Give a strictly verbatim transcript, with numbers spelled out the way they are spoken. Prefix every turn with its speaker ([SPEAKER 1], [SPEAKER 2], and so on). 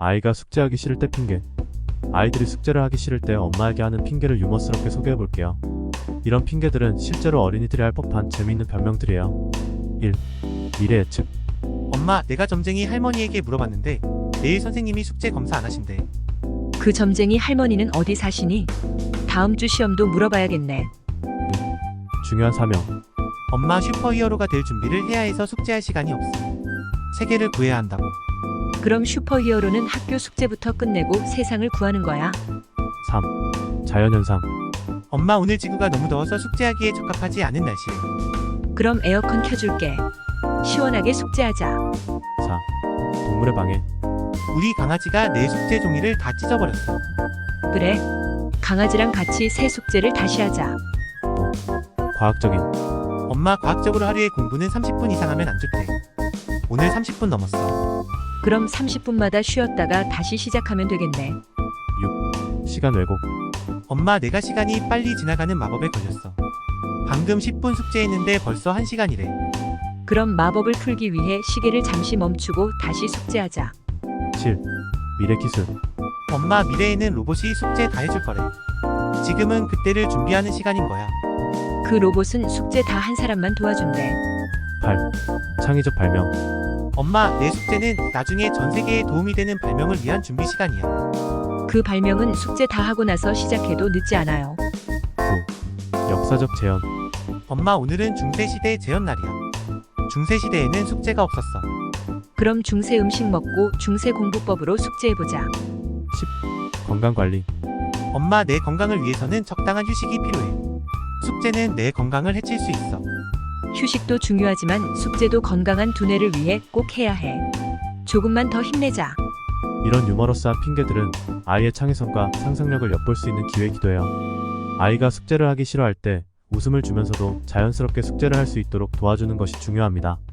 [SPEAKER 1] 아이가 숙제하기 싫을 때 핑계. 아이들이 숙제를 하기 싫을 때 엄마에게 하는 핑계를 유머스럽게 소개해볼게요. 이런 핑계들은 실제로 어린이들이 할 법한 재미있는 변명들이에요. 일. 미래 예측.
[SPEAKER 2] 엄마, 내가 점쟁이 할머니에게 물어봤는데 내일 선생님이 숙제 검사 안 하신대.
[SPEAKER 3] 그 점쟁이 할머니는 어디 사시니? 다음 주 시험도 물어봐야겠네.
[SPEAKER 1] 중요한 사명.
[SPEAKER 2] 엄마, 슈퍼히어로가 될 준비를 해야 해서 숙제할 시간이 없어. 세계를 구해야 한다고.
[SPEAKER 3] 그럼 슈퍼히어로는 학교 숙제부터 끝내고 세상을 구하는 거야.
[SPEAKER 1] 삼. 자연현상.
[SPEAKER 2] 엄마, 오늘 지구가 너무 더워서 숙제하기에 적합하지 않은 날씨래.
[SPEAKER 3] 그럼 에어컨 켜줄게. 시원하게 숙제하자.
[SPEAKER 1] 사. 동물의 방해.
[SPEAKER 2] 우리 강아지가 내 숙제 종이를 다 찢어버렸어.
[SPEAKER 3] 그래. 강아지랑 같이 새 숙제를 다시 하자.
[SPEAKER 1] 과학적인.
[SPEAKER 2] 엄마, 과학적으로 하루에 공부는 삼십 분 이상 하면 안 좋대. 오늘 삼십 분 넘었어.
[SPEAKER 3] 그럼 삼십 분마다 쉬었다가 다시 시작하면 되겠네.
[SPEAKER 1] 육. 시간 왜곡.
[SPEAKER 2] 엄마, 내가 시간이 빨리 지나가는 마법에 걸렸어. 방금 십 분 숙제했는데 벌써 한 시간이래.
[SPEAKER 3] 그럼 마법을 풀기 위해 시계를 잠시 멈추고 다시 숙제하자.
[SPEAKER 1] 칠. 미래 기술.
[SPEAKER 2] 엄마, 미래에는 로봇이 숙제 다 해줄 거래. 지금은 그때를 준비하는 시간인 거야.
[SPEAKER 3] 그 로봇은 숙제 다 한 사람만 도와준대.
[SPEAKER 1] 팔. 창의적 발명.
[SPEAKER 2] 엄마, 내 숙제는 나중에 전 세계에 도움이 되는 발명을 위한 준비 시간이야.
[SPEAKER 3] 그 발명은 숙제 다 하고 나서 시작해도 늦지 않아요.
[SPEAKER 1] 구. 역사적 재현.
[SPEAKER 2] 엄마, 오늘은 중세시대 재현 날이야. 중세시대에는 숙제가 없었어.
[SPEAKER 3] 그럼 중세 음식 먹고 중세 공부법으로 숙제해보자.
[SPEAKER 1] 십. 건강관리.
[SPEAKER 2] 엄마, 내 건강을 위해서는 적당한 휴식이 필요해. 숙제는 내 건강을 해칠 수 있어.
[SPEAKER 3] 휴식도 중요하지만 숙제도 건강한 두뇌를 위해 꼭 해야 해. 조금만 더 힘내자.
[SPEAKER 1] 이런 유머러스한 핑계들은 아이의 창의성과 상상력을 엿볼 수 있는 기회이기도 해요. 아이가 숙제를 하기 싫어할 때 웃음을 주면서도 자연스럽게 숙제를 할 수 있도록 도와주는 것이 중요합니다.